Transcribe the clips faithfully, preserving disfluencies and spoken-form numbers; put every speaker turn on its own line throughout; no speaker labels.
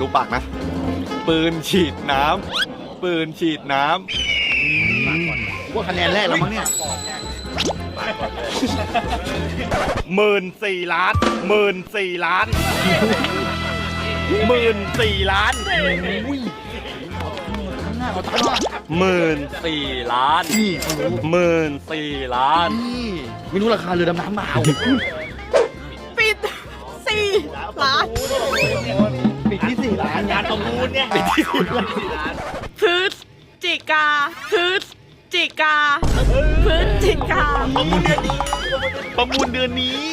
ดูปากนะปืนฉีดน้ำปืนฉีดน้ำ
ว่าคะแนนแรกแล้วมั้งเนี่ย
หมื่นสี่ล้านหมื่นสี่ล้านหมื่นสี่ล้านหมื่นสี่ล้าน
นี่เขารู้
หมื่นสี่ล้าน
นี่ไม่รู้ราคาเรือดำน้ำเปล่า
ปิดสี่ล้าน
ปิดที่สี่ล้านงานประมูลเนี่ยปิดที่สี่ล้าน
พฤศจิกาพฤศจิกาพฤศจิกา
ประมูลเดือนนี้ประมูลเดือนนี้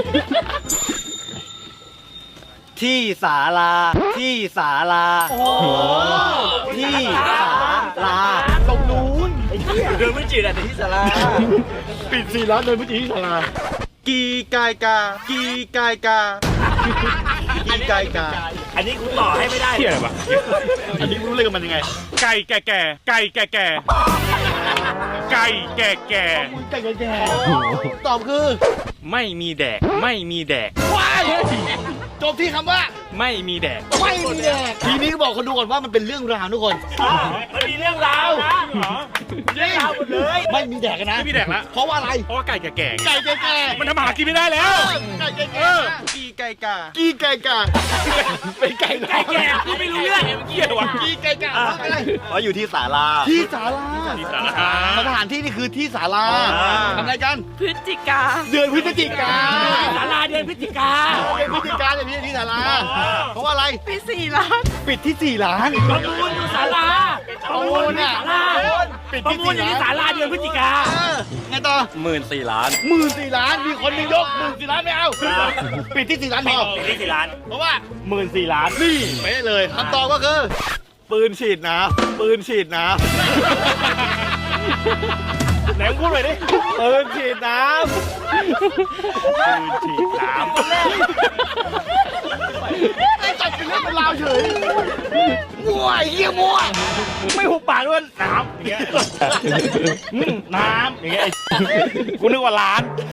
ที่ศาลาที่ศาลาที่ศาลา
ตรงนู้น
เดินไม่จีดอะแต่ที่ศาลา
ปิดสี่ล้านเดินไปที่ศาลา
กีกายกากีกายกากีกายกา
อันนี้คุณต่อให้ไม่ได้เที่ยอะไรวะ
อันนี้รู้เลยกันมันยังไง
ไก่แก่แก่ไก่แก่แก่ไก่แก่แก่
ไก่แก่ตอบคือ
ไม่มีแดกไม่มีแดก
ว้ายจบที่คำว่า
ไม่มีแดก
ไม่มีแดกทีนี้บอกคนดูก่อนว่ามันเป็นเรื่องราวทุกคน
มันมีเรื่องราวนะเรื่องราวหมดเลย
ไม่มีแดกกันนะ
ไม่มีแดกละ
เพราะว่าอะไร
เพราะว่าไก่แก่แก่
ไก่แก่ๆ
มันทำอาหารกินไม่ได้แล้ว
ไก่แก่
เออ
กีกายกา
ๆกี้ไก่กาเป็นไก่
ไก่แก่กูไม่รู้เรื่องเกี่ยววะ
กี้ไก่กาเพราะอะไร
เพราะอยู่ที่ศาลา
ที่ศาลา
ศาลา
สถานที่นี่คือที่ศาลา
อ่า
ทำอะไรกัน
พฤศจิกา
เดือนพฤศจิกา
ศาลาเดือนพฤศจิกา
เดือนพฤศจิกาเนี่ยพี่ที่ศาลาเพราะว่าอะไร
ปิดสี่ล้าน
ปิดที่สี่ล้าน
ประมูลอยู่ศาลา
ประมูลเนี่ย
ศาลา
ปิด
ประ
ที่
มูล
สี่
อยู่
ล้าน
ที่ศาลาเดือนพฤศจิกา
เออไงต่อ
หมื่นสี่ล้าน
หมื่นสี่ล้านมีคนหนึงยกหมื่นสี่ล้านไม่เอาปิดที่สี่ล้านพอ
ที่สี่ล้าน
เพราะว่า
หมื่นสี่ล้าน
นี่ไม่ได้เลยคำตอบก็คือ
ปืนฉีดน้ำปืนฉีดน้
ไหนมึงพูดหน่อยดิ
ำปืนฉีดน้
ปืนฉีดน้ำ
ไอ้จัดเป็นเรื่องเป็นราวเฉยมั่วไอ้เหี้ยมั่ว
ไม่หุบปากด้วยน้ำอย่างเงี้ยอืมน้ำอย่างเงี้ยไอ้กูนึกว่าล้าน